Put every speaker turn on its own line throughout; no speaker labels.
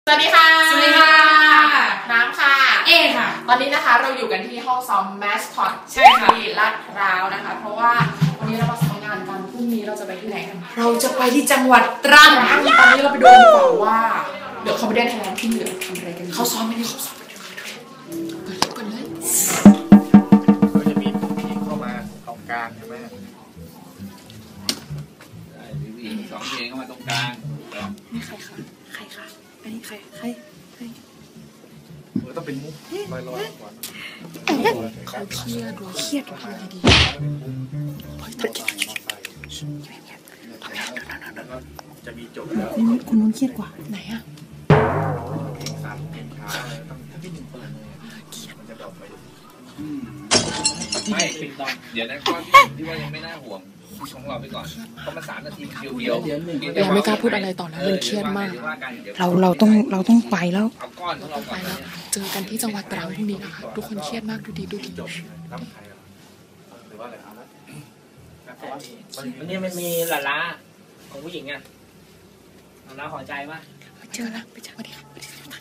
สวัสดีค่ะ
สวัสดีค่ะ
น้ำค่ะ
เอค่ะ
ตอนนี้นะคะเราอยู่กันที่ห้องซ้อมแมสคอต
ใช่ค่ะ
ที่ลาดพร้าวนะคะเพราะว่าวันนี้เรามาซ้อมงานกันพรุ่งนี้เราจะไปที่ไหนกัน
เราจะไปที่จังหวัดตรัง
ตอนนี้เราไปดูดีกว่าว่าเดี๋ยวเขาไปเดินไทยแลนด์ที่เหลือทำอะไรกัน
เขาซ้อมไม่ได้เขาซ้อม
ก่อนเลย
ก็จะมีผู้หญิงเข้ามาตรงกลางใช่ไหม
ผู้หญิงสองเพลงเข้ามาตรงกลาง
นี่ใครคะใครคะอันนี้ใคร
ต้องเป็นมุกลอยๆก่อน
เขาเครียดว่ะทำไงดี
จะมีจบแล้ว
คุณนุ่นเครียดกว่า
ไหนอะ
เพลงซ้ำเพลงช้าต้องถ้าพี่หนึ่งเปิดเลยมันจะดรอปไป
ไม่เดี๋ยวนั้นก็ที่ว่ายังไม่น่าห่วงของเราไปก่อนเพราะมัน3 นาทีเดียว
ยังไม่กล้าพูดอะไรต่อนะมันเครียดมาก
เราต้องไปแล้ว
เอาก้อนของเราก่อน
เจอกันที่จังหวัดตรังพรุ่งนี้นะคะทุกคนเครียดมากดูดี
รับใครหรือว่าอะไรครับ
วันนี้มันมีหลาล้าของผู้หญิงอ่ะหลาล้าหัวใจป่ะ
เจอแล้วไปเจอวันนี้ครับ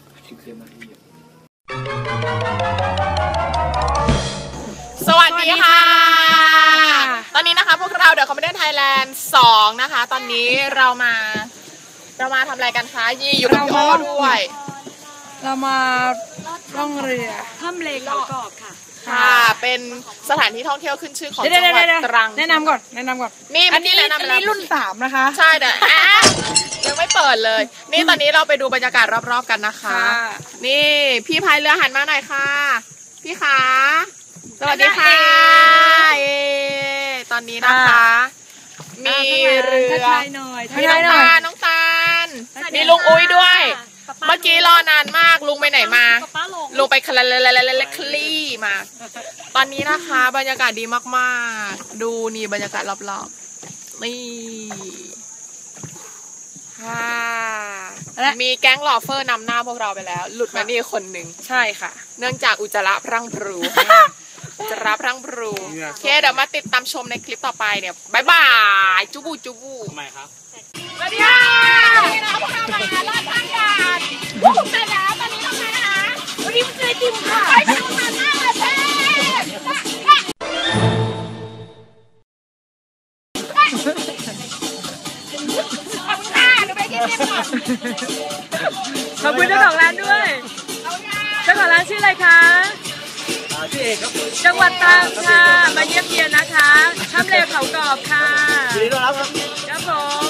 สวัสดีค่ะตอนนี้นะคะพวกเราเดี๋ยวคอมเมดี้ไทยแลนด์2นะคะตอนนี้เรามาทำอะไรกันคะยี่อยู่กับพี่โอ้ด้วย
เรามาล่องเรือ
ถ้ำเลเขากรอบค่ะ
ค่ะเป็นสถานที่ท่องเที่ยวขึ้นชื่อของจังหวัดตรัง
แนะนำก่อน
นี่อันนี้
รุ่น3นะคะ
ใช่แต่ยังไม่เปิดเลยนี่ตอนนี้เราไปดูบรรยากาศรอบๆกันนะคะนี่พี่พายเรือหันมาหน่อยค่ะพี่ขาสวัสดีค่ะตอนนี้นะคะมีเรือมีน้องตาลมีลุงอุ้ยด้วยเมื่อกี้รอนานมากลุงไปไหนมาลุงไปคลี่มาตอนนี้นะคะบรรยากาศดีมากๆดูนี่บรรยากาศรอบๆนี่มีแก๊งลอเฟอร์นำหน้าพวกเราไปแล้วหลุดมานี่คนหนึ่ง
ใช่ค่ะ
เนื่องจากอุจจาระพรั่งพรูจะรับพรั่งพรูโอเคเดี๋ยวมาติดตามชมในคลิปต่อไปเนี่ยบ๊ายบายจูบู
ทำไมครับ
สวัสดีค่ะนี่นะพวกเรามาลอดทางการพวกผมเสร็จแล้วตอนนี้ทำไงนะคะวันนี้มันเจอจิมค่ะไปทำงานหน้าเลยเพ่
ขอบคุณเจ้าของร้านด้วยเจ้าของร้านชื่ออะไรคะ
ชื่อเอกครับ
จังหวัดตรังค่ะมาเยี่ยมเยียนนะคะถ้ำเลเขากรอบค่ะ
ยินดีต้อนรับครับ
ครับผม